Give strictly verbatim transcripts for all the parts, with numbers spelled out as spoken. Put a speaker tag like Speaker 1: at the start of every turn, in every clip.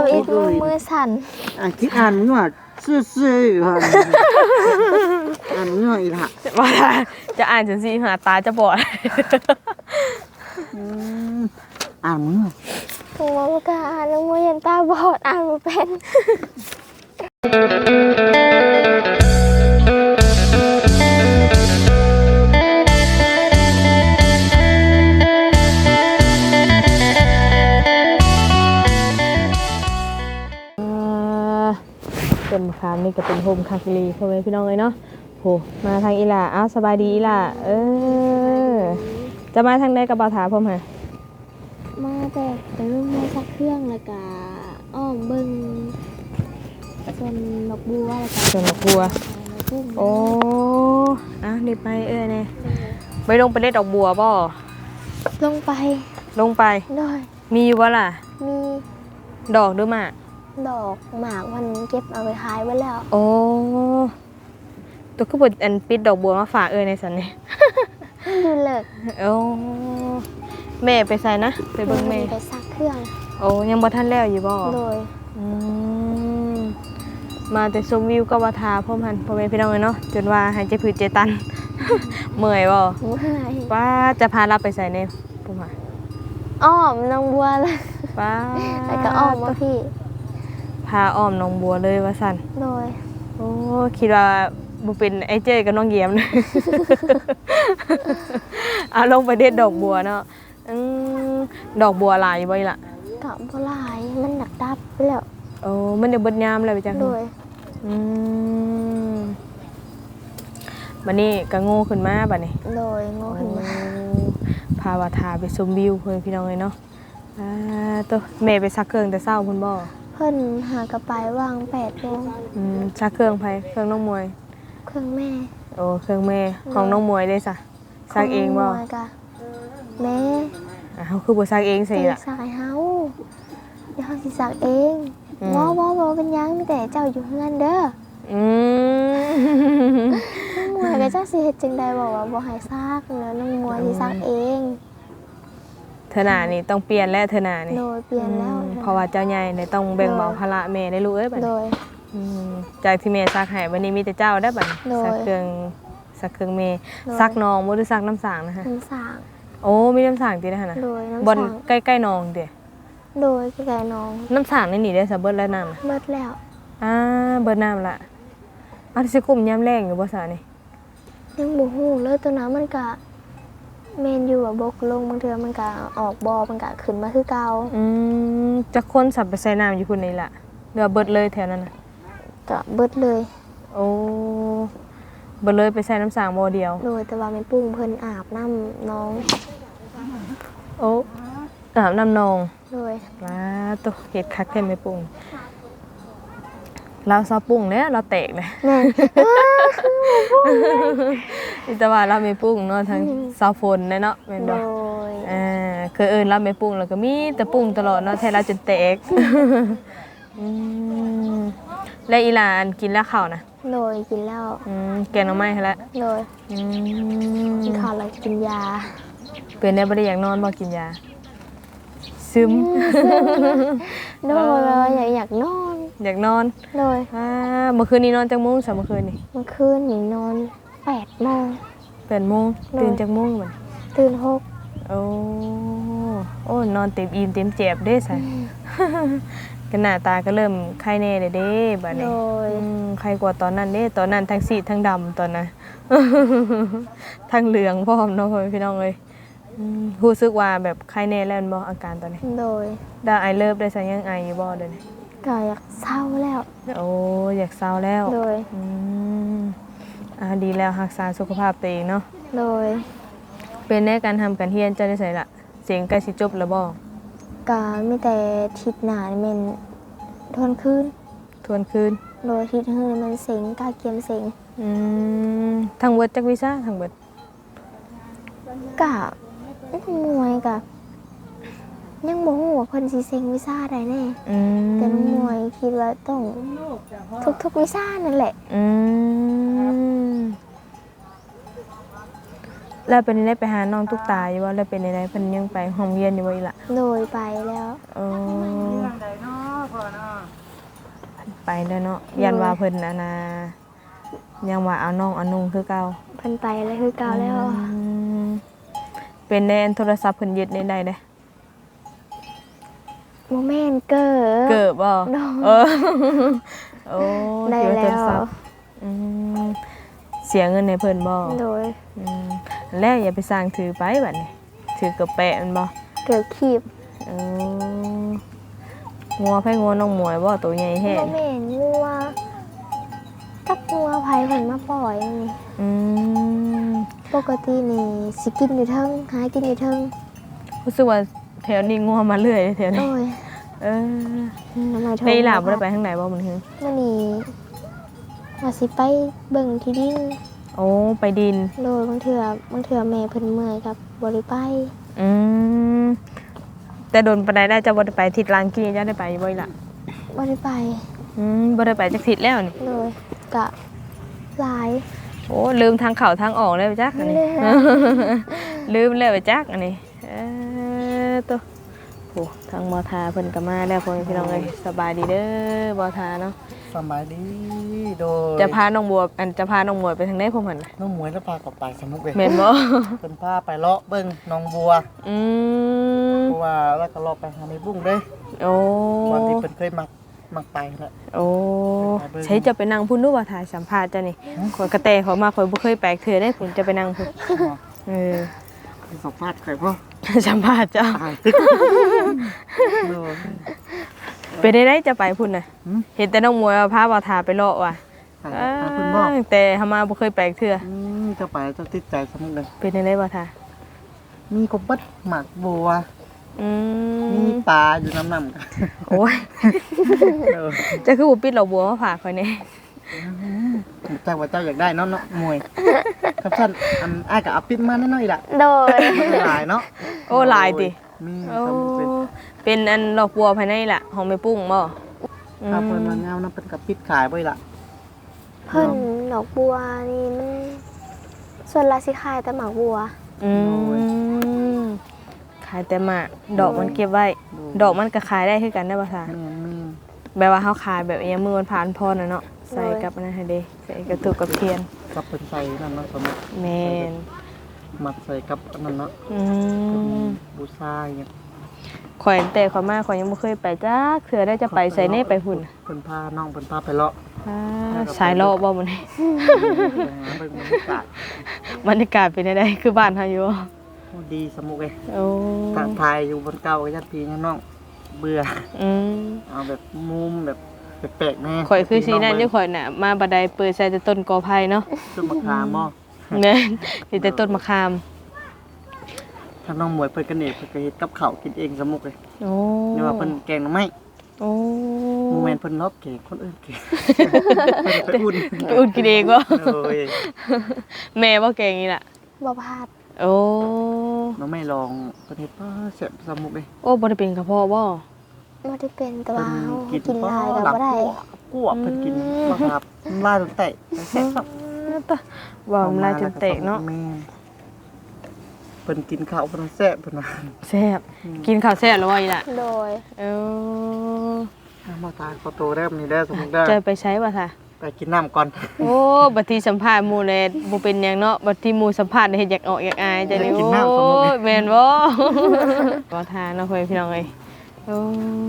Speaker 1: ำอีกมือมือสั่น
Speaker 2: อ่ะคิดอ่านมึงว่าซื่อๆอยู่ค่ะอ่านมึงว่าอีกค่ะ
Speaker 3: ว่าจะอ่านจังซี่หาตาจะบอด
Speaker 2: อ่านมึงว่า
Speaker 1: ถึงว่าบ่กล้าอ่านแล้วมือยันตาบอดอ่านบ่เป็น
Speaker 3: เป็นคำนี่ก็เป็นโฮมคาคิรีพ่อแม่พี่น้องเลยเนาะโหมาทางอีหล่าอ้าวสบายดีอีหล่าเออจะมาทางใดกับบ่าวถาพ่อมฮะ
Speaker 1: มาแต่ไปเบิ่งไม้ซักเครื่องแล้วก็อ้อมเบิ่งส่วนดอกบัวแล้วก็
Speaker 3: ส่วนดอกบัว
Speaker 1: กุ้ง
Speaker 3: โอ้อ่ะนี่ไปเอ้ยเนี่ยไปลงไปเล่นดอกบัวบ่
Speaker 1: ลงไป
Speaker 3: ลงไป
Speaker 1: ด้วย
Speaker 3: มีอยู่บ่ล่ะ
Speaker 1: มี
Speaker 3: ดอกหรือหมาก
Speaker 1: ดอกหมากมันเก็บเอาไปขายไว้แล้ว
Speaker 3: โอ้ตัวก็บดอันปิดดอกบัวมาฝากเอ้ยในสันนี่
Speaker 1: ดูเลิก
Speaker 3: โอ้แม่ไปใส่นะไปเบิ่งแม่
Speaker 1: ไปซักเครื่อง
Speaker 3: โอ้ยังบ่ทันแล้วอยู่บ่
Speaker 1: โดย
Speaker 3: อืมมาแต่ชมวิวก็ว่าทาพ่อมหันพ่อแม่พี่น้องเลยเนาะจนว่าหายใจผืดใจตัน เมื่อยบ่
Speaker 1: เมื่อย
Speaker 3: ป้าจะพาเราไปใส่ในพ่อมหัน
Speaker 1: อ้อมน้องบัวเลย
Speaker 3: ป้า
Speaker 1: แล้วก็อ้อมมาพี่
Speaker 3: พาอ้อมน้องบัวเลยว่าสั่น
Speaker 1: โดย
Speaker 3: โอ้คิดว่าบ่เป็นไอ้เจ้ยกับน้องเยียม นะ เอาลงไปเด็ดดอกบัวเนาะอืมดอกบัวหลายอยู่บ่อีล่ะ
Speaker 1: กับบัวลายมันหนักดับไปแล้ว
Speaker 3: โอ้มันเดี๋ยวเบิดยามเลยไปจัง
Speaker 1: โดย
Speaker 3: อืมบัดนี้ก็โง่ขึ้นมาบัดนี้
Speaker 1: โดยโง่ขึ้นมา
Speaker 3: พาว่าทาไปชมวิวเพิ่นพี่น้องเลยเนาะอ่าตัวแม่ไปซักเครื่องแต่เช้าพุ่นบ่
Speaker 1: เพิ่นหากระไปวางแปดโมง
Speaker 3: อืมซักเครื่องไผเครื่องน้องมวย
Speaker 1: เครื่องแม่
Speaker 3: โอ้เครื่องแม่ของน้องมวยได้ซะซักเองบ่
Speaker 1: ขน้มวยกะแม่
Speaker 3: อ่าเฮาคือบ่ซักเองสิ
Speaker 1: ตี
Speaker 3: ล่ะ
Speaker 1: สายเฮาเดี๋ยวเฮาสิสักเอง
Speaker 3: อืม
Speaker 1: บ่บ่บ่เป็นหยังมีแต่เจ้าอยู่เฮือนเด้อ
Speaker 3: อืม
Speaker 1: น้องมวยก็เจ้าสิเฮ็ดจังใดบอกว่าบ่ให้ซักเนาะน้องมวยสิซักเอง
Speaker 3: เธอหน้านี่ต้องเปลี่ยนแล้วเธอหน้านี่
Speaker 1: โดยเปลี่ยนแล้ว
Speaker 3: อืมเพราะว่าเจ้าใหญ่เนี่ยต้องแบ่งเบาภาระแม่ได้ลูกเอ้ยบัด
Speaker 1: โด
Speaker 3: นี้
Speaker 1: ย
Speaker 3: อืมจากที่แม่ซักให้วันนี้มีแต่เจ้าได้อบัดนี้
Speaker 1: โดย
Speaker 3: ซักเครื่องซักเครื่องแม่
Speaker 1: โดย
Speaker 3: ซักนองบ่หรือซักน้ำสางนะฮะ
Speaker 1: น้ำสาง
Speaker 3: โอ้มีน้ำสางตินะฮะนะ
Speaker 1: โดยน้ำ
Speaker 3: บน
Speaker 1: สาง
Speaker 3: ใกล้ๆนองเด้
Speaker 1: โดยแก่น้อง
Speaker 3: น้ำสางนี่นี่ได้ซะเบิดแล้วน้ำน่ะ
Speaker 1: เบิดแล้ว
Speaker 3: อ่าเบิดน้ำละอันสิกุ่มยามแรงอยู่บ่ซะนี่
Speaker 1: ยังบ่ฮู้เลยตัวน้ำมันก็แม่นอยู่อะบกลงบางเทื่อมันก็ออกบ่อมันก็ขึ้นมาคือเก่า
Speaker 3: อืมจักคนสับไปใส่น้ำอยู่พุ่นนี่ล่ะเรือเบิดเลยแถวนั้นน่ะ
Speaker 1: ก็เบิดเลย
Speaker 3: โอ้เบิดเลยไปใส่น้ำสางบ่อเดียว
Speaker 1: โดยแต่ว่าแม่ปุ้งเพิ่นอาบน้ำน้อง
Speaker 3: โอ้อาบน้ำนอง
Speaker 1: โดย
Speaker 3: ว้าตัวเห็ดคักแท้ไม่ปรุงเราซอปรุงเนี่ยเราแตกเลย
Speaker 1: แม่
Speaker 3: แต่ว่าเราไม่ปรุงเนาะทั้งซาฝนเนาะแม่น
Speaker 1: โด
Speaker 3: บ่
Speaker 1: ย
Speaker 3: อ่าคือเอิ้นเราไม่ปรุงแล้วก็มีแต่ปรุงตลอดเนาะแท้เราจนแตกอืมแล้วอีหลานกินแล้วข้าวนะ
Speaker 1: โดยกินแล้ว
Speaker 3: อืมแกงหน่อไม้ให้แล้ว
Speaker 1: โดย
Speaker 3: อื
Speaker 1: กิน
Speaker 3: ม
Speaker 1: ข้าวแล้วกินยา
Speaker 3: เป็นได้บ่ได้อยากนอนบ่กินยาซึม
Speaker 1: โดยว่าอยากอยากนอน
Speaker 3: อยากนอน
Speaker 1: โดย
Speaker 3: อ่าเมื่อคืนนี้นอนจังโมงซะเมื่อคืนนี่
Speaker 1: เมื่อคืนนี่นอนแปดโมง
Speaker 3: แปดโมงตื่นจากโมงบัด
Speaker 1: ตื่นหก
Speaker 3: โอ้โอ้นอนเต็มอิ่มเต็มเจ็บเด้ซะ กันหน้าตาก็เริ่มไข้แน่เด้เด้บัด
Speaker 1: โด
Speaker 3: นี้
Speaker 1: ย
Speaker 3: อืมไข้กว่าตอนนั้นเด้ตอนนั้นทั้งซีดทั้งดำตอนนั้น ทั้งเหลืองพร้อมเนาะพ่อแม่พี่น้องเอ้ยอืมรู้สึกว่าแบบไข้แน่แล้วแม่นบ่อาการตอนนี้
Speaker 1: โดย
Speaker 3: ได้ไอเลิฟได้ซะยังไออยู่บ่เดี๋ยวนี้
Speaker 1: ก็อยากเศร้าแล้ว
Speaker 3: โอ้อยากเศร้าแล้ว
Speaker 1: โดย
Speaker 3: อืมอ่าดีแล้วรักษาสุขภาพตัวเองเนาะ
Speaker 1: โดย
Speaker 3: เป็นในการทำการเรียนเจ้าได้ไสล่ะเสียงใกล้สิจบแล้วบ่
Speaker 1: ก็มีแต่ทิศหนานี่แมันทวนคืน
Speaker 3: ทวนคืน
Speaker 1: โดยทิศหื้อนี่มันเสียงกาเกียมเสียง
Speaker 3: อืมทั้งเบิดจักวิชาทั้งเบิด
Speaker 1: กะมวยกับยังบ่ฮู้ว่าเพิ่นสิเซ็งวิชาใดแน่
Speaker 3: อืม
Speaker 1: แต่น้องมวยคิดว่าต้องทุกๆวิชานั่นแหละ
Speaker 3: อืมแล้วเป็นได้ไปหาน้องตุ๊กตาอยู่ว่าแล้วเป็นได้เพิ่นยังไปห้องเรียนอยู่บ่อีกล่ะ
Speaker 1: โดยไปแล้ว
Speaker 3: โอ้ไปแล้วเนาะยันว่าเพิ่นน่ะนะยังว่าเอาน้องเอานุ่งคือเก่า
Speaker 1: เพิ่นไปแล้วคือเก่าแล้ว
Speaker 3: อืมเป็นในโทรศัพท์เพิ่นยึดในใดเด้
Speaker 1: โมเมนต์เกิด
Speaker 3: เกิบบ่
Speaker 1: น้อง
Speaker 3: เออโอ้
Speaker 1: ได้
Speaker 3: เกี่ยวกับโท
Speaker 1: แล้
Speaker 3: ร
Speaker 1: ว
Speaker 3: ศัพท์อืมเสียเงินให้เพิ่นบ่
Speaker 1: โดย
Speaker 3: อืมแล้วอย่าไปสร้างถือไปบัดนี้ถือกับแปะมันบ่
Speaker 1: เกิดขีบ
Speaker 3: เอองัวไผงัวน้องหมวยบ่ตัวใหญ่แท้
Speaker 1: โมเมนต์งัวจักงัวไผเพิ่นมาปล่อยนี่
Speaker 3: อืม
Speaker 1: ปกตินี่สิกินอยู่เทิงหากินอยู่เทิง
Speaker 3: รู้สึกว่าแถวนี้งัวมาเรื่อยแถว
Speaker 1: โด
Speaker 3: นี้
Speaker 1: ย
Speaker 3: เออ
Speaker 1: น้ำมันทอง
Speaker 3: ไปหลาบ่ได้ไปทางไหนบ่มันคือ
Speaker 1: มื้อนี้ว่าสิไปเบิ่งที่ดิน
Speaker 3: โอ้ไปดิน
Speaker 1: โดยบางเทื่อบางเทื่อแม่เพิ่นเมื่อยครับบ่ได้ไป
Speaker 3: อืมแต่โดนปานใดได้จะบ่ได้ไปทิศลางกี้จะได้ไปบ่อีหล่ะ
Speaker 1: บ่ได้ไป
Speaker 3: อืมบ่ได้ไปจักทิศแล้วนี่
Speaker 1: โดยกะหลาย
Speaker 3: โอ้ลืมทางเข้าทางออกแล้วจักอันนี้
Speaker 1: แล้ว
Speaker 3: ลืมแล้วจักอันนี้เออตัวโอ้ทางมอทาเพิ่นก็มาแล้วพ่อแม่พี่น้องเอ้ยสบายดีเด้อบ่ทาเนาะ
Speaker 2: สบายดีโดย
Speaker 3: จะพาน้องบัวอันจะพาน้องหมวยไปทางไหนพ่อเพิ่นน่ะ
Speaker 2: น้องหมวยแล้วพากลับไปสมุกเลย
Speaker 3: แม่นบ่
Speaker 2: เพิ่นพาไปเลาะเบิ่งน้องบัว
Speaker 3: อืม
Speaker 2: เพราะว่าแล้วก็เลาะไปหาในบุ้งเด้
Speaker 3: โอ้
Speaker 2: วันที่เพิ่นเคยมักมักไปแล้ว
Speaker 3: โอ้ใช้จะไปนั่งพุ่นดูว่าถ่ายสัมภาษณ์จ้ะนี่ข่อยกระแตเขามาข่อยบ่เคยแปลกเทื่อได้ผมจะไปนั่งพุ่นเออ
Speaker 2: ไปสัมภาษณ์ใครพ่อ
Speaker 3: สัมภาษณ์เจ้า
Speaker 2: ตายโดย
Speaker 3: ไปได้ได้จะไปพุ่นน่ะ
Speaker 2: หืม
Speaker 3: เห็นแต่น้องมวยเอาพาบ่าวทาไปเลาะว่ะ
Speaker 2: หาหาเพิ่นบอก
Speaker 3: เอ้ยแต่เฮามาบ่เคยแปลกเทื่อ
Speaker 2: อืมจะไปจะติดใจสมุกเลย
Speaker 3: เป็นจังได๋บ่าวทา
Speaker 2: มีกบเบิดหมากบัว
Speaker 3: อื
Speaker 2: มี
Speaker 3: ม
Speaker 2: ปลาอยู่น้ำน้ำกัน
Speaker 3: โอ้ย
Speaker 2: เออ
Speaker 3: จะคือบ่ปิดดอกบัวมาฝากข่อยแน่
Speaker 2: เจ้าว่าเจ้าอยากได้เนาะเนาะมวยครับท่านอันอ้ายก็เอาปิดมาแน่นอนอีกล่ะ
Speaker 1: โดย
Speaker 2: หลายเนาะ
Speaker 3: โอ้หลายติ
Speaker 2: มี
Speaker 3: โอ้
Speaker 2: สมุกเป็น
Speaker 3: เป็นอันดอกบัวภายในล่ะของแม่ปุ้งบ่
Speaker 2: ถ้าเพิ่นมาเงานะเพิ่นก็ปิดขายบ่อีกล่ะ
Speaker 1: เพิ่นดอกบัวนี่มันส่วนละสิขายแต่หมากบัว
Speaker 3: อืมขายแต่หมากดอกมันเก็บไว้ ดอกมันก็ขายได้คือกันได้บ่ซะ
Speaker 2: แม่นแม่น
Speaker 3: แบบว่าเฮาขายแบบอิหยังมือมันผ่านพรน่ะเนาะใส่กับอันนั้นให้เด้ใส่กับถูกกับเทียน
Speaker 2: กับเพิ่นใส่นั่นเนาะสมุก
Speaker 3: แม่น
Speaker 2: มัดใส่กับอันนั้นเนาะ
Speaker 3: อืม
Speaker 2: บูชาอย่างเงี้ย
Speaker 3: ข่อยแต่ข่อยมาข่อยยังบ่เคยไปจักเทื่อได้จะไปใส่เน่ไปหุ่น
Speaker 2: เพิ่นพาน้องเพิ่นพาไปเลาะ
Speaker 3: อ่าสายเลาะบ่มื้อนี้
Speaker 2: ไปหาเบิ่งบรรยากาศ
Speaker 3: บรรยากาศเป็นจังไดคือบ้านเฮาอยู่บ่
Speaker 2: โอ้ดีสมุกเอ้ย
Speaker 3: โอ้
Speaker 2: ถ้าถ่ายอยู่บนเก่าก็ญาติพี่ญาติน้องเบื่อ
Speaker 3: อืม
Speaker 2: เอาแบบมุมแบบแปลกๆแน่
Speaker 3: ข่อยคือสีนั่นอยู่ข่อยน่ะมาบัดใดเปิดใส่แต่ต้นกอไผ่เนาะ
Speaker 2: ต้นมะขามบ่
Speaker 3: แม่นมีแต่ต้นมะขาม
Speaker 2: ถ้าน้องหมวยเพิ่นก็นี่เพิ่นก็เฮ็ดกับข้าวกินเองสมุกเลย
Speaker 3: โอ้
Speaker 2: นี่ว่าเพิ่นแกงหน่อไม้
Speaker 3: โอ้
Speaker 2: โมเมนต์เพิ่นรอบเก่งคนอื่นเก่งไปอุ่น
Speaker 3: ไปอุ่นกินเองบ่
Speaker 2: โอ้ย
Speaker 3: แม่บ่เก่งนี่ล่ะ
Speaker 1: บ่พลาด
Speaker 3: โอ้
Speaker 2: น้องไม่ลองประเทศป้าเสียบสมุกเลย
Speaker 3: โอ้บ่ได้เป็นกระเพาะบ่
Speaker 1: บ่ได้เป็นแต่ว่าเฮา
Speaker 2: กิน
Speaker 1: กินหลายก็
Speaker 2: หลับ
Speaker 1: บ่ได้
Speaker 2: กวบเพิ่นกินมาครับล่าจนเตะแซ่บครับ
Speaker 3: ตะว่ามันลายจนเตะเนาะ
Speaker 2: แม่เพิ่นกินข้าวเพิ่นแซ่บเพิ่นว่า
Speaker 3: แซ่บกินข้าวแซ่บแล้วว่าอีล่ะ
Speaker 1: โดย
Speaker 3: เออ
Speaker 2: มาตายขอโตได้มื้อนี้ได้สมุกได้
Speaker 3: จะไปใช้บ่ซะ
Speaker 2: ไปกินน้ำก่อน
Speaker 3: โอ้บัดที่สัมภาษณ์หมู่แลบ่เป็นหยังเนาะบัดที่หมู่สัมภาษณ์เฮ็ดอยากออกอยากอายจังนี่โอ้ยแม่นบ่ บ่ทานเนาะเพิ่นพี่น้องเอ้ยโอ้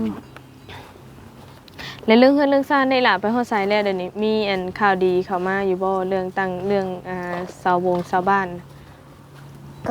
Speaker 3: แล้วเรื่องเฮือนเรื่องซ่านได้ล่ะไปฮอดไสแล้วเดี๋ยวนี้มีอันข่าวดีเข้ามาอยู่บ่เรื่องตั้งเรื่องอ่าเสาวงเสาบ้าน
Speaker 1: ก็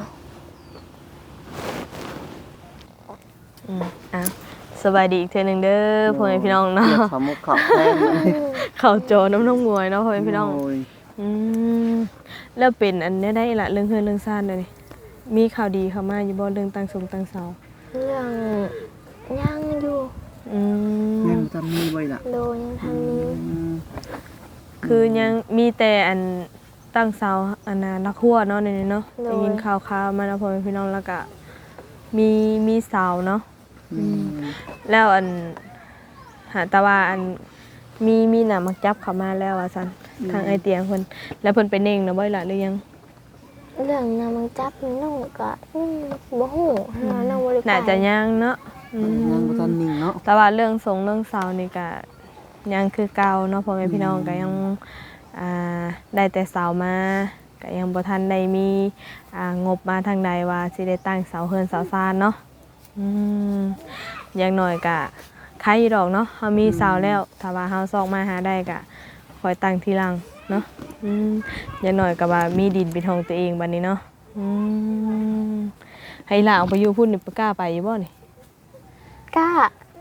Speaker 3: อืมอ่ะสบายดีอีกเทื่อหนึงเด้อพ่อแม่พี่น้องเนาะ
Speaker 2: เรียกสมุกข้าวแพงเลย
Speaker 3: เข้าจอน้ำน้องมวยเนาะพ่อแม่พี่น้อง
Speaker 2: โย
Speaker 3: อืมแล้วเป็นอันเนี้ยได้ล่ะเรื่องเฮือนเรื่องซ่านเดี๋ยวนี้มีข่าวดีเข้ามาอยู่บ่เรื่องตั้งสงตั้งเสา
Speaker 1: เรื่องยังอยู่
Speaker 3: อืม
Speaker 2: ยังจะมีไว้ล่ะ
Speaker 1: โดยยังทำนี้
Speaker 2: อืม
Speaker 3: คือยังมีแต่อันตั้งเสาอันน่ะนักหัวเนาะในนี้เนาะได้ยินข่าวๆมาแล้วพ่อแม่พี่น้องแล้วก็มีมีเสาเนาะ
Speaker 2: อืม
Speaker 3: แล้วอันหาแต่ว่าอันมีมีหนามักจับเข้ามาแล้วว่าซั่นทางไอเตียงเพิ่นแล้วเพิ่นไปเน่งเนาะบ่ล่ะหรือยัง
Speaker 1: เรื่องนำมันจับนี่น้องก็อืมบ่ฮู้หาน้องบ่ได้ไป
Speaker 3: น่าจะยังเนาะอืม
Speaker 2: ยังบ่ทันนิ่งเนาะ
Speaker 3: แต่ว่าเรื่องสงเรื่องเสานี่ก็ยังคือเก่าเนาะพ่อแม่พี่น้องก็ยังอ่าได้แต่เสามาก็ยังบ่ทันได้มีอ่างบมาทางใดว่าสิได้ตั้งเสาเฮือนเสาซานเนาะอืมอย่างน้อยก็ใครอยู่ดอกเนาะเฮามีเสาแล้วถ้าว่าเฮาซอกมาหาได้ก็ค่อยตั้งทีหลังเนาะอืมอย่างน้อยก็ว่ามีดินเป็นของตัวเองบัดนี้เนาะอืมให้หลานออกไปอยู่พุ่นนี่บ่กล้าไปอยู่บ่นี่
Speaker 1: กล้าก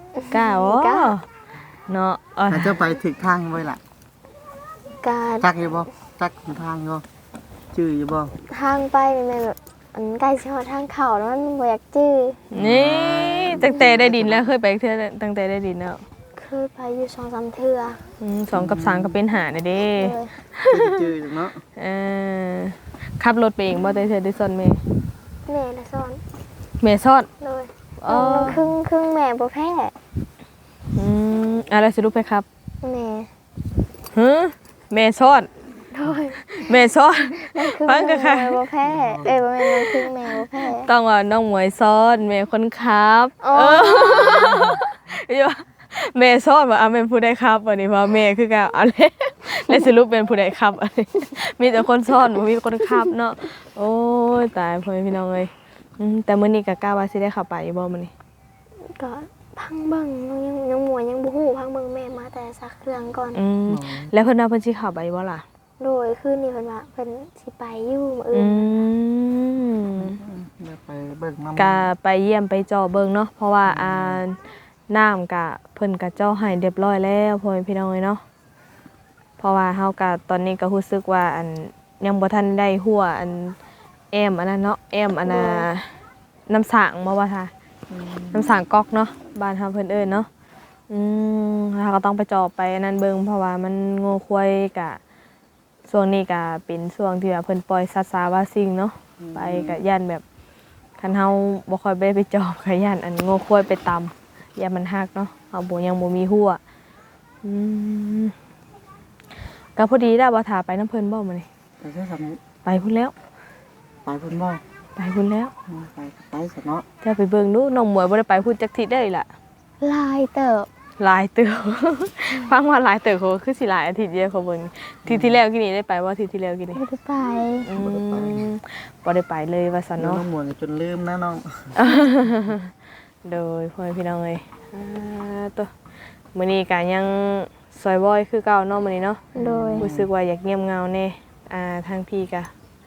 Speaker 3: ล้าบ่
Speaker 1: กล้า
Speaker 3: เนาะเอ่อ
Speaker 2: อาจจะไปถึกทางไว้ล่ะ
Speaker 1: กา
Speaker 2: จักอยู่บ่จักทางอยู่ชื่ออยู่บ่
Speaker 1: ทางไปแม่แบบอันใกล้สิฮอดทางเข้าแล้วมันบ่อยากจื้อ
Speaker 3: นี่ตั้งแต่ได้ดินแล้วเคยไปเทื่อตั้งแต่ได้ดินแล้ว
Speaker 1: เคยไปอยู่สองสามเทื่อ
Speaker 3: อืมสองกับสามก็เป็นหาเด้เด้
Speaker 1: เลย
Speaker 2: ชื่ออยู่เนาะ
Speaker 3: เออขับรถไปเองบ่ได้เทื่อได้ซ่อนแม่
Speaker 1: แม่น่ะสอน
Speaker 3: แม่ซ่อน
Speaker 1: เลย
Speaker 3: อ๋อ
Speaker 1: มันครึ่งครึ่งแม่บ่แพ้
Speaker 3: อืมอะไรสิลูกไปครับ
Speaker 1: แม่
Speaker 3: ฮึแม่ซ่อน
Speaker 1: โดย
Speaker 3: แม่ซ่อน
Speaker 1: มันครึ่ง
Speaker 3: ฟังก็ค่ะ
Speaker 1: แม่บ่แพ้เอ้ยบ่แม่นมันครึ่งแม่บ่แพ้
Speaker 3: ต้องว่าน้องหมวยซ่อนแม่คนขับ
Speaker 1: อ๋อ
Speaker 3: เอออยู่ว่าแม่ซ่อนว่าอ่ะแม่นผู้ใดครับวันนี้ว่าแม่คือกันเอาเลยแล้วสรุปเป็นผู้ใดครับอันนี้มีแต่คนซ่อนบ่มีคนขับเนาะโอ้ยตายพ่อแม่พี่น้องเอ้ยอืมแต่มื้อนี้ก็กล้าว่าสิได้เข้าไปอยู่บ่มื้อนี้
Speaker 1: ก็พังเบิ่งยังยังหมวยยังบ่ฮู้พังเบิ่งแม่มาแต่ซักเครื่องก่อน
Speaker 3: อืมแล้วเพิ่นว่าเพิ่นสิเข้าไปบ่ล่ะ
Speaker 1: โดยคืนนี้เพิ่นว่าเพิ่นสิไปอยู่มื้อ
Speaker 3: อื
Speaker 1: อื่น
Speaker 3: ม
Speaker 2: เดี๋ยวไปเบิ่งน้ำ
Speaker 3: ก็ไปเยี่ยมไปเจาะเบิ่งเนาะเพราะว่าอ่าน้ำก็เพิ่นก็เจาะให้เรียบร้อยแล้วพ่อแม่พี่น้องเอ้ยเนาะเพราะว่าเฮาก็ตอนนี้ก็รู้สึกว่าอันยังบ่ทันได้หัวอันแอมอันนั้นเนาะแอมอันน่ะน้ำสางบ่ว่าท่าน้ำสางก๊อกเนาะบ้านเฮาเพิ่นเอิ้นเนาะอืมเราก็ต้องไปเจาะไปอันนั้นเบิ่งเพราะว่ามันโง่ควายก็ช่วงนี้ก็เป็นช่วงที่ว่าเพิ่นปล่อยสัตว์สาว่าสิ่งเนาะไปก็ย่านแบบคันเฮาบ่ค่อยไปไปเจาะก็ย่านอันโง่ควายไปตำย่านมันหักเนาะเฮาบ่ยังบ่มีหัวอืมก็พอดีได้บ่ท่าไปน้ำเพิ่นบ่มื้อนี้
Speaker 2: ไปเท่าสามนี้
Speaker 3: ไปพุ่นแล้ว
Speaker 2: ไปเพิ่นบ่
Speaker 3: ไปพุ่นแล้ว
Speaker 2: ไปไปซะเนาะ
Speaker 3: จะไปเบิ่งดูน้องหมวยบ่ได้ไปพุ่นจักทิศได้ล่ะ
Speaker 1: ลายเติบ
Speaker 3: หลายเติบ ฟังว่าหลายเติบเขาคือสิหลายอาทิตย์เดียวเขาเบิ่งทีที่แล้วกี่นี้ได้ไปบ่ทีที่แล้วกี่นี้
Speaker 1: ไม่ได้ไป
Speaker 3: อืมบ่ได้ไปเลยว่าซั่น
Speaker 2: น้อ
Speaker 3: เนาะ
Speaker 2: งหมวยจนลืมนะน้อง
Speaker 3: โดยพ่อแม่พี่น้องเอ้ยอ่าตัวมื้อนี้ก็ยังซอยบ่อยคือเก่าเนาะมื้อนี้เนาะ
Speaker 1: โดย
Speaker 3: รู้สึกว่าอยากเงียบเหงาแน่อ่าทางพี่ก็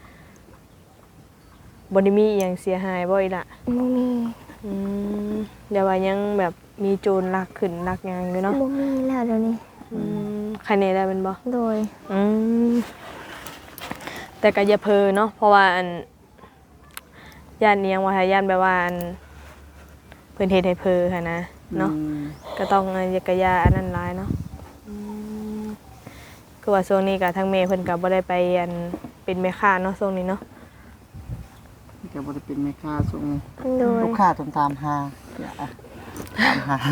Speaker 3: บ่ได้มีอิหยังเสียหายบ่อีกล่ะ
Speaker 1: บ่มี
Speaker 3: อืมเดี๋ยวว่ายังแบบมีโจรลักขึ้นลักหยังอยู่เนาะ
Speaker 1: บ่มีแล้วเดี๋ยวนี้
Speaker 3: อืมใครในได้เป็นบ่
Speaker 1: โดย
Speaker 3: อืมแต่ก็อย่าเพอเนาะเพราะว่าอันย่านเนียงว่าถ้าย่านแบบว่าอันเพิ่นเฮ็ดให้เพอค่ะนะเนาะก็ต้องอันอยากะยาอันนั้นหลายเนาะอืมคือว่าช่วงนี้ก็ทางแม่เพิ่นก็บ่ได้ไปอันเป็นแม่ค้าเนาะช่วงนี้เนาะ
Speaker 2: ก็บ่ได้เป็นแม่ค้าส่ง
Speaker 1: โดย
Speaker 2: ลูกค้าต้องตามหาอย่าตามหา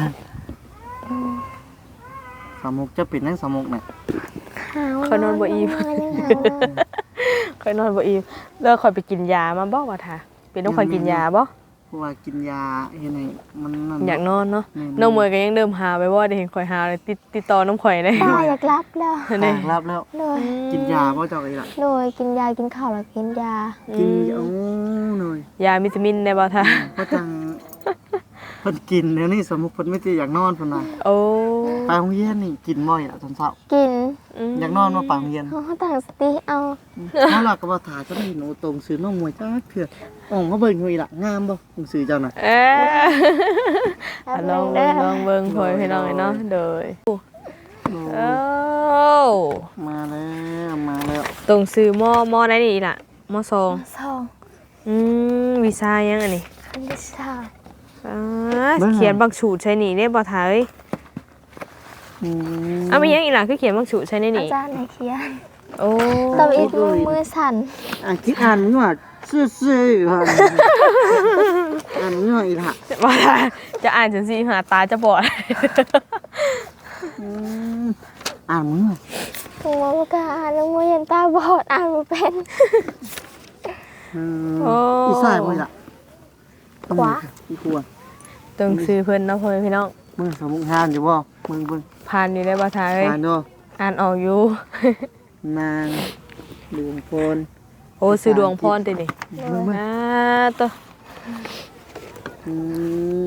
Speaker 2: สามมุกจะเป็นนั่งสามมุกเนี่ย
Speaker 1: หาว
Speaker 3: ข่อยนอนบ่อิ่ม
Speaker 1: ยังหาว
Speaker 3: ข่อยนอนบ่อิ่มแล้วข่อยไปกินยามาบ่ว่าท่าเป็นต้องข่อยกินยาบ่
Speaker 2: เพราะว่ากินยาเฮ็ดให้มันนั่น
Speaker 3: อยากนอนเนาะ
Speaker 2: แม่น
Speaker 3: น้องมวยก็ยังเดิมหาไปบ่ได้เห็นข่อยหาเลยติดติดต่อน้ำข่อยได้
Speaker 1: ตาอยากรับแล้ว
Speaker 3: นี่
Speaker 2: ตากรับแล้ว
Speaker 1: โดย
Speaker 2: กินยาบ่เจ้าอีหล่ะ
Speaker 1: โดยกินยากินข้าวแล้วกินยา
Speaker 2: กินโอ้หน่อย
Speaker 3: ยาวิตามินได้บ่ท่า
Speaker 2: เพราะจังเพิ่นกินเดี๋ยวนี้สมมุติเพิ่นไม่ได้อยากนอนเพิ่นน่ะ
Speaker 3: โอ้
Speaker 2: ไปโรงเรียนนี่กินบ่อยอ่ะตอนเช้า
Speaker 1: กิน
Speaker 2: อยากนอนมาไปโรงเรียน
Speaker 1: เขาตั้งสติเอา
Speaker 2: เฮาล่ะก็บ่ถ่าจะได้หนูตรงซื้อน้องมวยจักเถื่อออกมาเบิ่งอยู่อีหล่ะงามบ่หนังสือเจ้าน่ะ
Speaker 3: เอ้ย
Speaker 1: แป๊บ
Speaker 3: ล
Speaker 1: นึ
Speaker 3: อง
Speaker 1: ง
Speaker 3: เบิ่
Speaker 1: เด้
Speaker 3: ง
Speaker 1: อ
Speaker 3: ลองเบิ่งพ่อยพี่น้องเนาะโดย
Speaker 2: โอ้
Speaker 3: โอ้
Speaker 2: มาแล้วมาแล้ว
Speaker 3: ตรงซื้อหม้อหม้อได้นี่ล่ะหม้อซอง
Speaker 1: สอง
Speaker 3: อืมวีซ่ายังอันนี้
Speaker 1: คันที่สาม
Speaker 3: อ่าเขียนบางสูตรใช่นี่ได้บ่ท่าเอ้ย
Speaker 2: อืม
Speaker 3: เอามียังอีกล่ะคือเขียนบางสูตรใช่ใน
Speaker 1: อา
Speaker 3: นี่
Speaker 1: จารย์ในเขียน
Speaker 3: โอ้
Speaker 1: ตบอีกมือมือสั่น
Speaker 2: อ่านคิดอ่านมันว่าซื่อๆอยู่หั่นอ่านมันว่าอีหล่ะ
Speaker 3: บ่ท่าจะอ่านจังซี่หาตาจะบอด
Speaker 2: อืมอ่านมันว่า
Speaker 1: หัวบ่กล้าอ่านแล้วมือยันตาบอดอ่านบ่เป็น
Speaker 2: อืม
Speaker 3: โอ้
Speaker 2: อีสายบ่ล่ะ
Speaker 1: ขวา
Speaker 2: อีขวา
Speaker 3: ตรงซื้อเพิ่นเนาะพ่อแม่พี่น้อง
Speaker 2: มึงสมุกห้ามอยู่บ่เบิ่งเบิ่ง
Speaker 3: ผ่านอยู่ได้บ่ทาเอ้ย
Speaker 2: อ่านเนาะ
Speaker 3: อ่านออกอยู่
Speaker 2: นางดวงพร
Speaker 3: โอ้ซื้อดวงพรตินี่
Speaker 2: เบิ่งเบิ่ง
Speaker 3: อ่าตัว
Speaker 2: อืม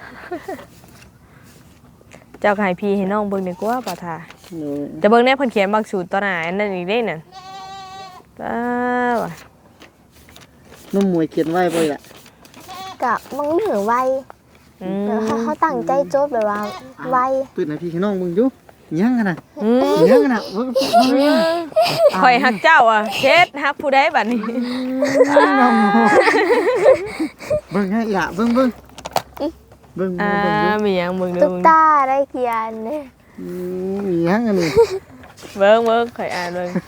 Speaker 3: เจ้าก็ให้พี่ให้น้องเบิ่งดีกว่าบ่ทา
Speaker 2: โดย
Speaker 3: จะเบิ่งแน่เพิ่นเขียนบักสูตรตัวหน้าอันนั้นอีกเด้นั่นป้าว่ะ
Speaker 2: น้องมวยเขียนไว้บ่ล่ะ
Speaker 1: กะมึงไม่ถือไว
Speaker 3: อืม
Speaker 1: เดี๋ยวเขาเขาตั้งใจโจทย์แบบว่าไว
Speaker 2: ตื่นให้พี่ให้น้องเบิ่งอยู่ยังกันน่ะ
Speaker 3: อืม
Speaker 2: ยังกันน่ะเบิ่งเบิ่ง
Speaker 3: ข่อยฮักเจ้าอ่ะเฮ็ดฮักผู้ใดบัดนี้
Speaker 2: น้องเบิ่งให้ล่ะเบิ่งเบิ่งเบิ่ง
Speaker 3: อ่า
Speaker 2: เบิ่งเบิ่ง
Speaker 3: มีหยังเบิ่งดู
Speaker 1: ตุ๊กตาได้เขียนเนี่ย
Speaker 2: อืมมีหยังอันนี้
Speaker 3: เบิ่งเบิ่งข่อยอ่านเบิ่ง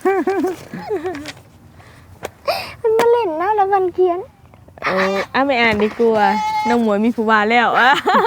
Speaker 1: มันมาเล่นนะแล้วมันเขียน
Speaker 3: โอ้อ่ะไม่อ่านดีกว่าน้องหมวยมีผู้ว่าแล้วอ่ะ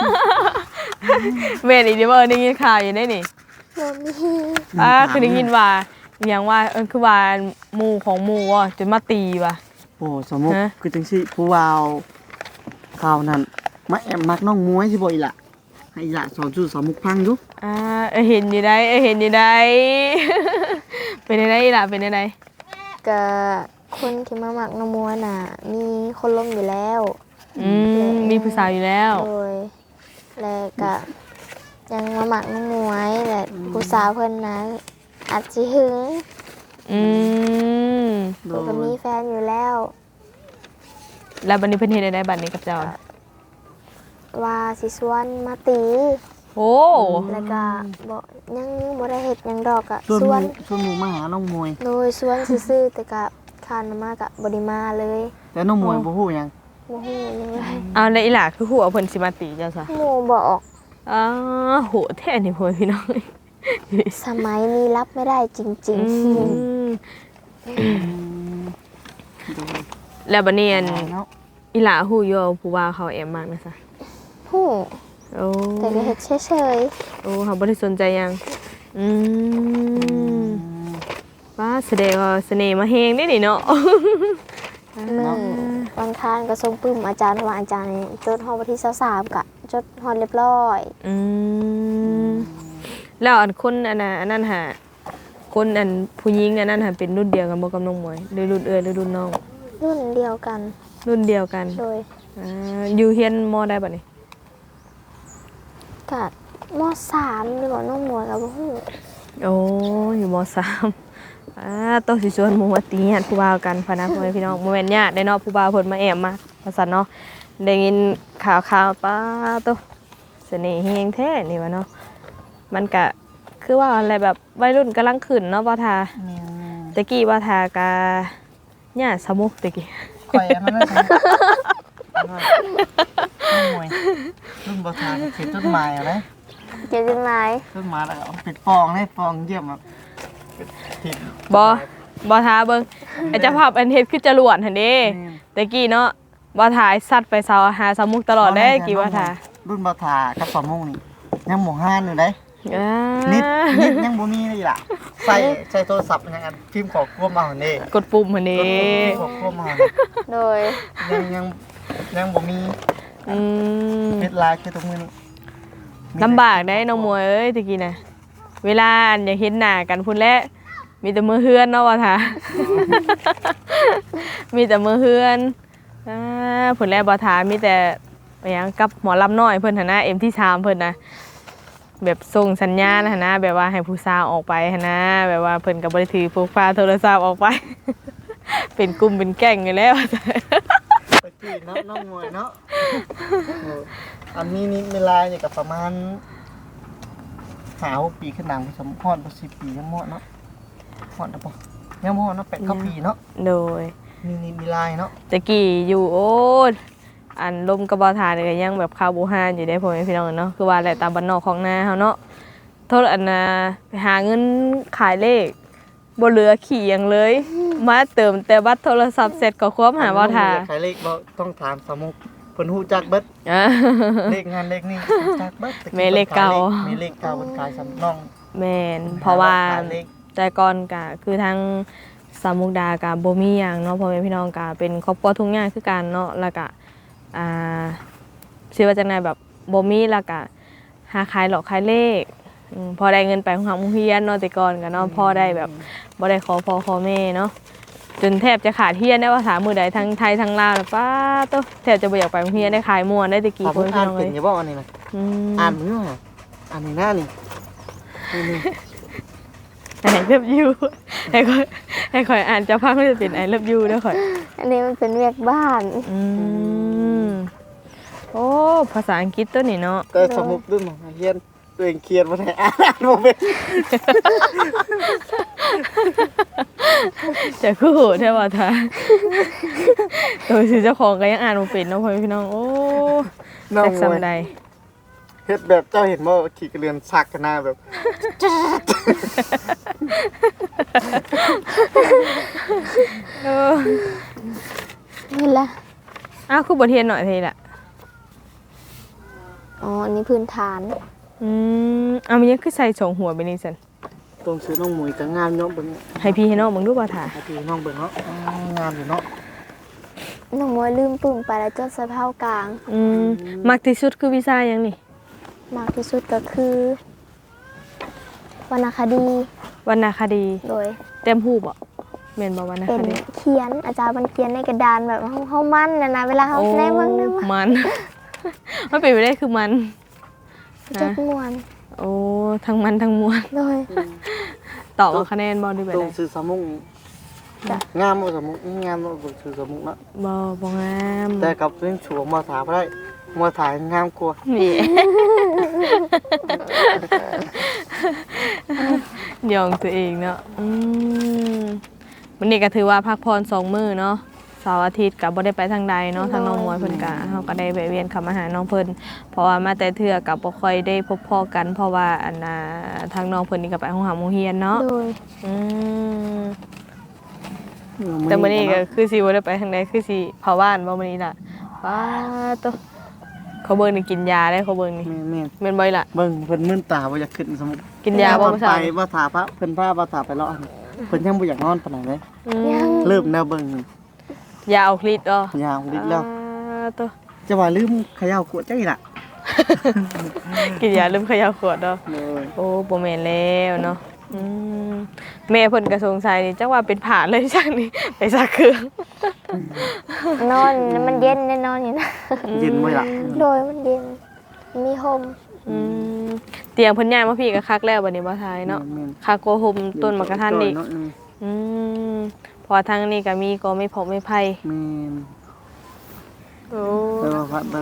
Speaker 3: แม่นอีเดี๋ยวเออได้ยินข่าวอยู่ได้นี่
Speaker 1: โดนมี
Speaker 3: อ่าคือได้ยินว่าอหย่างว่าเออคือว่าหมู่ของหมู่ว่ะจนมาตีว่ะ
Speaker 2: โอ้สมมุติ
Speaker 3: ฮะ
Speaker 2: คือจังซี่ผู้วาวข่าวนั้นมาแอบมักน้องมวยสิบ่อีหล่ะให้อีหล่ะสอนสู่สอนมุกพังอยู่
Speaker 3: อ่าเออเห็นอยู่ได้เออเห็นอยู่ได้ เป็นได้ล่ะเป็นได้
Speaker 1: กับคนที่มาหมักนองมัวน่ะ มีคนล้มอยู่แล้ว
Speaker 3: อืมมีผู้สาวอยู่แล้ว
Speaker 1: โดยแล้วก็ยังมาหมักน้องมวยและผู้สาวเพิ่นนะอาจสิหึง
Speaker 3: อืม
Speaker 2: โด
Speaker 1: เพิ่นก็
Speaker 2: ย
Speaker 1: มีแฟนอยู่แล้ว
Speaker 3: แล้วบัดนี้เพิ่นเฮ็ดได้บัดนี้กับเจ้า
Speaker 1: ว่าสิชวนมาตี
Speaker 3: โอ้
Speaker 1: แล้วก็บ่ยังบ่ได้เฮ็ดหยังดอกอะ
Speaker 2: ส่วน
Speaker 1: ช
Speaker 2: ห
Speaker 1: ว
Speaker 2: มู่
Speaker 1: น
Speaker 2: ส่วนหมู่มาหาน้องมวย
Speaker 1: โดยชวนซื่อๆแต่ก็คานมากะบ่ได้มาเลย
Speaker 2: แต่น้องมวยบ่ฮู้หยัง
Speaker 1: บ่ฮู้หยังเลย
Speaker 3: เอาแล้วอีหล่ะคือหัวเพิ่นสิมาตีเจ้าซะ
Speaker 1: หมู่บอก
Speaker 3: อ๋อโหแท้นี่พ่อพี่น้อง
Speaker 1: สมัยนี้รับไม่ได้จริง
Speaker 3: อืม
Speaker 2: โดย
Speaker 3: แล้วบัดนี้อัน
Speaker 2: เนาะ
Speaker 3: อีหล่าฮู้อยู่ว่าผู้ว่าเขาแอบมากนะซะ
Speaker 1: ๆฮู้
Speaker 3: โอ้
Speaker 1: แต่ก็เฮ็ดเฉย
Speaker 3: โอ้เขาบ่ได้สนใจหยังอืมว่าแสดงว่าเสน่ห์มาแฮงได้นี่เนาะ
Speaker 1: ๆมื้อวันค้านก็ส่งปึ้มอาจารย์ว่าอาจารย์นี่จดฮอดวันที่ยี่สิบสามกะจดฮอดเรียบร้อย
Speaker 3: อืมแล้วอันคนอันน่ะอันนั้นหาคนอันผู้หญิงอันนั้นหาเป็นรุ่นเดียวกันบ่กับน้องหมวยหรือรุ่นเอื้อหรือรุ่นน้อง
Speaker 1: รุ่นเดียวกัน
Speaker 3: รุ่นเดียวกัน
Speaker 1: โดย
Speaker 3: อ่าอยู่เฮียนมอได้บัดนี้
Speaker 1: กะมสามหรือว่าน้องมวยก็บ่ฮู้
Speaker 3: โอ้อยู่มสาม อ่าต้องสิชวนหมู่มาตีญาติผู้บ่าวกันพะนะพ่อแม่พี่น้องบ่แม่นญาติได้เนาะผู้บ่าวเพิ่นมาแอบมาว่าซั่นเนาะได้ยินข่าวๆป้าโตเสน่ห์แฮงแท้นี่ว่าเนาะมันก็คือว่าอะไรแบบวัยรุ่นกำลังขึ้นเนาะบ่ทาตะกี้บ่ทากะญาติสมุกตะกี้
Speaker 2: ข่อยอันนั้นนะน้องมวยรุ่นบ่ทานเขียนจดหมายอะไร
Speaker 1: เขียนจดหมาย
Speaker 2: จดหมายแล้วก็เอาปิดฟองให้ฟองเยี่ยมแบบผิด
Speaker 3: บ่บ่ทาเบิ่งไอ้เจ้าภาพอันเฮ็ดคือจรวดหั่นเด้ตะกี้เนาะบ่ทาสัตว์ไปเสาหาสมุกตลอดเด้กี่บ่ทา
Speaker 2: รุ่นบ่ทากับสมมุงนี่ยังหมู่ห้านอยู่เด้
Speaker 3: อ่า
Speaker 2: นิดนิดยังบ่มีเลยล่ะใส่ใส่โทรศัพท์ยังอันพิมพ์ขอควบมาหั่นเด้
Speaker 3: กดปุ่มหั่นเด้
Speaker 2: ขอควบมาหั่น
Speaker 1: โดย
Speaker 2: ยังยังยังบ่มี
Speaker 3: อืม
Speaker 2: เฮ็ดไลน์คือตรงมื้อนี้
Speaker 3: ลำบากได้น้องมวยเอ้ยตะกี้น่ะเวลาอันอยากเห็นหน้ากันพุ่นแหละมีแต่มือเฮือนเนาะว่าท่า มีแต่มือเฮือนอ่าพุ่นแหละบ่ท่ามีแต่ไปหยังกับหมอลำน้อยเพิ่นหั่นนะ เอ็ม ที่สามเพิ่นน่ะแบบส่งสัญญาณหั่นนะแบบว่าให้ผู้สาวออกไปหั่นนะแบบว่าเพิ่นก็บ่ได้ถือพกพาโทรศัพท์ออกไป เป็นกลุ่มเป็นแก๊งอยู่แล้ว
Speaker 2: ไปจีนเนาะน้องมวยเนาะเอออันนี้นี่เวลาเนี่ยก็ประมาณห้าหกปีขึ้นหลังสมพรบ่สิบปียังเหมาะเนาะเหมาะนะบ่ยังเหมาะเนาะแปดเก้าปีเนาะ
Speaker 3: โดย
Speaker 2: มีนี่มีลายเนาะ
Speaker 3: ตะกี้อยู่โอ้ยอันลมกระบอกทานนี่ก็ยังแบบข้าวบูฮานอยู่ได้พ่อแม่พี่น้องเนาะคือว่าแหละตามบ้านนอกของนาเฮาเนาะโทษอันน่ะไปหาเงินขายเลขบ่เหลือขี่หยังเลย มาเติมแต่บัตรโทรศัพท์เสร็จก็ควบหาบ่ทา
Speaker 2: ใครเลขบ่ต้องถามสมุกเพิ่นฮู้จักเบิด
Speaker 3: อ่า
Speaker 2: เลขงานเลขนี่รู้จักเบิดแต่
Speaker 3: แม่เลขเก่า
Speaker 2: แม่เลขเก่าเพิ่นขายสำน้อง
Speaker 3: แม่นเพราะว่า
Speaker 2: ขยเลข
Speaker 3: แต่ก่อนก็คือทางสามมุกดาก็บ่มีหยังเนาะพ่อแม่พี่น้องก็เป็นครอบครัวทุ่งหญ้าคือกันเนาะแล้วก็อ่าสิว่าจังได๋แบบบ่มีแล้วก็หาขายหลอกขายเลขอืมพอได้เงินไปของหาโรงเรียนเนาะแต่ก่อนก็เนาะพอได้แบบบ่ได้ขอพ่อขอแม่เนาะจนแทบจะขาดเรียนได้ว่าถามมื้อใดทั้งไทยทั้งลาวน่ะป้าโตแทบจะบ่อยากไปโรงเรียนได้ขายม่วนได้แตะกี้
Speaker 2: ถาม
Speaker 3: พ่อ
Speaker 2: ผม
Speaker 3: พี่
Speaker 2: อ่าน
Speaker 3: น้อง
Speaker 2: เป็
Speaker 3: เอ้
Speaker 2: น
Speaker 3: ย
Speaker 2: อยู่บ่อันนี้นะ
Speaker 3: อืม
Speaker 2: อ่านอยู่น่ะอันนี้หน้านี่นี่
Speaker 3: I love you ให้ค่อยให้ค่อยอ่านจะพังมันจะเป็น I love you เด้อค่อย
Speaker 1: อันนี้มันเป็นเวียกบ้าน
Speaker 3: อืมโอ้ภาษาอังกฤษตัวนี้เนาะ
Speaker 2: แต่สมุกด้วยมั้งเฮียนตัวเองเขียนบ่ได้อ่านบ่เป็น
Speaker 3: จะคือโหดแท้ว่าท่าตัวสิเจ้าของก็ยังอ่านบ่เป็นเนาะพ่อพี่น้องโอ้
Speaker 2: น้อง
Speaker 3: จัก
Speaker 2: มวย
Speaker 3: ซำใด
Speaker 2: เฮ็ดแบบเจ้าเห็นบ่ขี่กระเรือนซักกันหน้าแบบ
Speaker 3: เออ
Speaker 1: นี่แหละ
Speaker 3: อ้าวคือบทเรียนหน่อยทีละ
Speaker 1: อ๋ออันนี้พื้นฐาน
Speaker 3: อืมเอามันยังคือใส่สองหัวไปนี่ซั่น
Speaker 2: ตรงซื้อน้องหมวยก็งามเนาะเบิ่ง
Speaker 3: ให้พี่ให้น้องเบิ่งดูบ่ท่า
Speaker 2: ให้พี่น้องเบิ่งเนาะอ๋องามอยู่เนาะ
Speaker 1: น้องมวยลืมปึ้งไปแล้วจดใส่เผากลาง
Speaker 3: อืมมักที่สุดคือวิชาหยังนี่
Speaker 1: มากที่สุดก็คือวรรณคดี
Speaker 3: วรรณคดี
Speaker 1: โดย
Speaker 3: เต็มรูปบ่แม่นบ่วรรณ
Speaker 1: เป็
Speaker 3: คน ดี
Speaker 1: เขียนอาจารย์มันเขียนในกระดานแบบเฮาเฮามันน่ะนะเวลาเฮา
Speaker 3: โอ้
Speaker 1: แนเบิ่งนะว่า
Speaker 3: มัน มันเป็นไปได้คือมัน
Speaker 1: จดม่วน
Speaker 3: โอ้ทั้งมันทั้งมวล
Speaker 1: โดย
Speaker 3: ตอบว่าคะแนนบ่ได้ไป
Speaker 2: ตร
Speaker 3: ได้
Speaker 2: งซื้อสมุก
Speaker 1: จ้ะ
Speaker 2: งามบ่สมุกงามบ่เบิ่งซื้อสมุกเนาะ
Speaker 3: บ่บ่งาม
Speaker 2: แต่กับเรื่องฉวงมาถาบ่ได้มาถ่ายงามกว่า
Speaker 3: นี่ ยองตัวเองเนาะอืมวันนี้ก็ถือว่าพักผ่อนสองมื้อเนาะเสาร์อาทิตย์ก็บ่ได้ไปทางใดเนาะทางน้องมวยเพิ่นก็เฮาก็ได้แวะเวียนเข้ามาหาน้องเพิ่นเพราะว่ามาแต่เทื่อก็บ่ค่อยได้พบพ้อกัน เพราะว่าอันน่ะทางน้องเพิ่นนี่ก็ไปโรงหาโรงเรียนเนาะ
Speaker 1: โดย
Speaker 3: อืมแต่มื้อนี้ก็คือสิบ่ได้ไปทางใดคือสิเผาบ้านบ่มื้อนี้ล่ะว้าโตเขาเบิ่งนี่กินยาได้เขาเบิ่งนี่
Speaker 2: แม่น
Speaker 3: แม่นบ่อยล่ะ
Speaker 2: ๆเบิ่งเพิ่นมึนตาบ่อยากขึ้นสมุก
Speaker 3: กินยาบ่
Speaker 2: เพิ่น
Speaker 3: มื้อ
Speaker 2: ไป
Speaker 3: เช้า
Speaker 2: บ่ถาพระเพิ่นพาบ่ถาไปเลาะหั่นเพิ่นยังบ่อยากนอนปานใดเลย
Speaker 3: อืม
Speaker 2: เริ่มแนวเบิ่ง
Speaker 3: ยาเอาคลิดอ๋อย
Speaker 2: าวลิดแล้ว
Speaker 3: อ่าตัว
Speaker 2: จะว่าลืมเขย่ากวดใจล่ะ
Speaker 3: กินยาลืมเขย่าขวดเนาะ
Speaker 2: เลย
Speaker 3: โอ้บ่แม่นแล้วเนาะอืมแม่เพิ่นก็สงสัยนี่จักว่าเป็นผ่าเลยจังนี่ไปซักเครื่อง
Speaker 1: นอนมันเย็นแน่นอนอยู่นะ
Speaker 2: เย็นบ่ล่ะ
Speaker 1: โดยมันเย็นมีโฮม
Speaker 3: อืมเตียงเพิ่นย้ายมาพี่ก็คักแล้วบัดนี้บ่ทายเนาะ
Speaker 2: แม่น
Speaker 3: คักกว่าห่มต้นมะกะทันอีก
Speaker 2: เนาะอืม
Speaker 3: อืมเพอทางนี้ก็มีก็ไม่พกไม่ไผ
Speaker 2: แม่น
Speaker 3: โอ้
Speaker 2: เออพัดเลย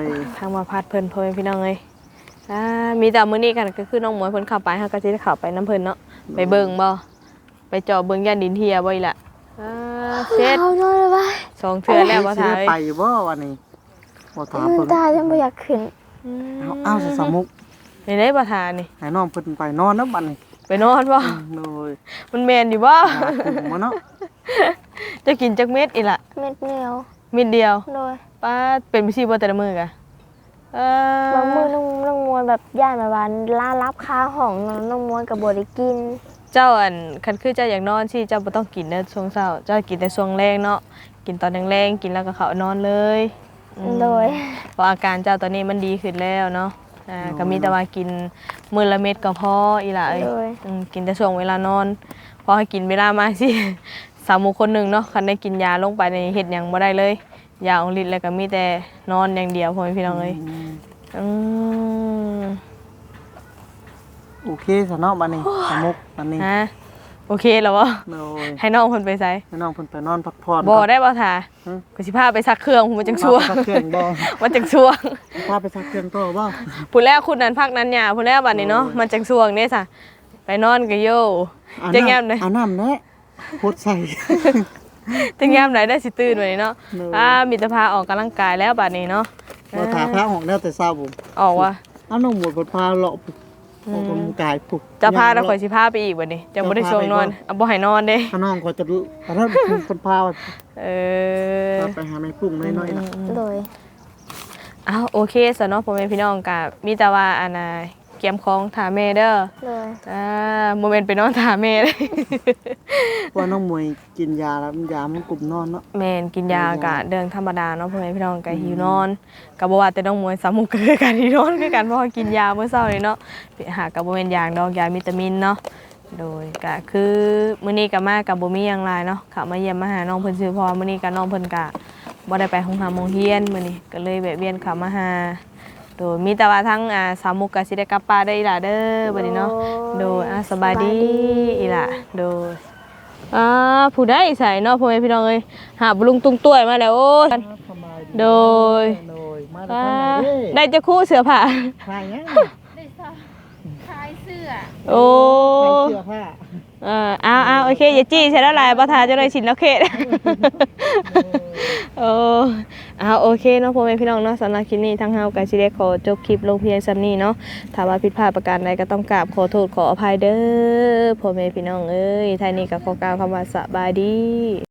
Speaker 3: ทางมาพัดเพิ่นพ่อแม่พี่น้องเอ้ยอ่ามีแต่มื้อนี้กันก็คือน้องหมวยเพิ่นเข้าไปเฮาก็สิได้เข้าไปนํเพิ่นเนาะไปเบิ่งบ่ไปเจาะเบิ่งย่านดินเทียบ่อีหล่ะอ่าเสร็จ
Speaker 1: เอานอนเลยว่า
Speaker 3: สองเทื่อแล้วบ่
Speaker 2: สิ
Speaker 3: ทา
Speaker 2: ได้
Speaker 3: ย
Speaker 2: ไปอยู่บ่วันนี้บ่ถาม
Speaker 1: มัน
Speaker 2: เพิ่น
Speaker 1: ตายังบ่อยากขึ้น
Speaker 2: เอาเอาสิสมุก
Speaker 3: นี่ได้บ่ทานี่
Speaker 2: ให้น้องเพิ่นไปนอนนำบัดนี้
Speaker 3: ไปนอนบ่
Speaker 2: เลย
Speaker 3: มันแม่นอยู่บ่
Speaker 2: หาคุมมาเนาะ
Speaker 3: จะกินจักเม็ดอีหล่ะ
Speaker 1: เม็ดเหนียว
Speaker 3: เม็ดเดียว
Speaker 1: โดย
Speaker 3: ป้าเป็นไปซี่บ่แต่ละมื้อกะเออบ
Speaker 1: างมื้อน้องน้องมวยแบบย่านแบบว่าล่ารับคาห้องน้องมวยก็บ่ได้กิน
Speaker 3: เจ้าอันคันคือเจ้าอยากนอนสิเจ้าบ่ต้องกินเด้อช่วงเช้าเจ้ากินแต่ช่วงแรงเนาะกินตอนแรงๆกินแล้วก็เข้านอนเลยอืม
Speaker 1: โดย
Speaker 3: เพราะอาการเจ้าตอนนี้มันดีขึ้นแล้วเนาะอ่าก็มีแต่ว่ากินมื้อละเม็ดก็พออีหล่ะเอ้ย
Speaker 1: โดย
Speaker 3: อืมกินแต่ช่วงเวลานอนพอให้กินเวลามาสิ สามหมู่คนหนึ่งเนาะคันได้กินยาลงไปในเฮ็ดหยังบ่ได้เลยยาองฤทธิ์แล้วก็มีแต่นอนอย่างเดียวพ่อแม่พี่น้องเอ้ยอืม
Speaker 2: โอเคซะเนาะบัดนี้สมุกบัดนี้
Speaker 3: ฮะโอเคแล้วบ่
Speaker 2: เลย
Speaker 3: ให้น้องเพิ่นไปไส
Speaker 2: ให้น้องเพิ่นไปนอนพักผ่อน
Speaker 3: บ่ได้บ่ท่า
Speaker 2: ฮะ
Speaker 3: ก็สิพาไปซักเครื่องผมมันจังชั่ว
Speaker 2: พาไปซักเครื่องบ่
Speaker 3: มันจังชั่ว
Speaker 2: พาไปซักเครื่องต่อบ่
Speaker 3: ผู้แรกคุณนั้นพักนั้นหยาผู้แรกบัดนี้เนาะมันจังชั่วเด้ซะไปนอนก็โย
Speaker 2: อา
Speaker 3: จะ
Speaker 2: น้ำ
Speaker 3: แง้มเลย
Speaker 2: อาน้ำแน่โคตรใส่
Speaker 3: ถึงยามไหนได้สิตื่นวันนี้เนาะ
Speaker 2: เนอะ
Speaker 3: อ่ามีแต่พาออกกำลังกายแล้วบัดนี้เนาะ
Speaker 2: บ่ถาพระออกแล้วแต่เช้าผม
Speaker 3: ออกว่า
Speaker 2: เอาน้องหมดบ่พาเลาะปุ๊บออกกำลังกายปุ๊บ
Speaker 3: จะพาเราข่อยสิพาไปอีกบัดนี้จะบ่ได้ช่วงนอนเอาบ่ให้นอนเด้
Speaker 2: ถ้าน้องก็จะอันนั้นเพิ่นพา
Speaker 3: เออ
Speaker 2: ไปหาแม่ปุ้งน้อยๆน่ะ
Speaker 1: โดย
Speaker 3: อ้าวโอเคสเนาะพ่อแม่พี่น้องก็มีแต่ว่าอันน่ะคเกียมของถาแม่เด้อ
Speaker 1: เลย
Speaker 3: อ่าโมเมนต์ไปนอนถาแม่เลย
Speaker 2: ว่าน้องมวยกินยาแล้วยามันกลุ่มนอนเนาะ
Speaker 3: แม่นกินยากะเดินธรรมดาเนาะพ่อแม่พี่น้องก็หิวนอนก็บ่ว่าแต่น้องมวยสามมุกก็คือการหิวนอนคือกันเพราะว่ากินยาเมื่อเช้านี่เนาะหาก็บ่แม่นยางดอกยาวิตามินเนาะโดยก็คือมื้อนี้ก็มาก็บ่มีหยังหลายเนาะเข้ามาเยี่ยมมาหาน้องเพิ่นซื่อเพอมื้อนี้ก็น้องเพิ่นก็บ่ได้ไปโรงหาโรงเรียนมื้อนี้ก็เลยแวะเวียนเข้ามาหาโดยมีแต่ว่าทั้งอ่าสามมุกก็สิได้กลับป่าได้อีหล่ะเด้อบัดนี้เนาะโดยอ่าสบายดีอีหล่ะโดยอ่าผู้ใดใส่เนาะพ่อแม่พี่น้องเอ้ยหาบลุงตุ้งต้วยมาแล้วโอ้ย
Speaker 2: สบาย
Speaker 3: โดย
Speaker 2: โดยมา
Speaker 3: อ่า
Speaker 2: ทางไหนเด้
Speaker 3: ได้จะคู่เสือผ้า
Speaker 2: ใครเนี่ย
Speaker 1: คลายเสื้อ
Speaker 3: โอ้
Speaker 2: ใครเสื้อผ้า
Speaker 3: เออเอาเอาโอเคอย่าจี้ใช่แล้วลายประทาจะได้ชินแล้วเขตโอ้เอาโอเคเนาะพ่อแม่พี่น้องเนาะสำหรับคลิปนี้ทั้งเฮากับชิเดขอจบคลิปลงเพียงซ้ำนี้เนาะถ้าว่าผิดพลาดประการใดก็ต้องกราบขอโทษขออภัยเด้อพ่อแม่พี่น้องเอ้ยท้ายนี้ก็ขอกล่าวคำว่าสบายดี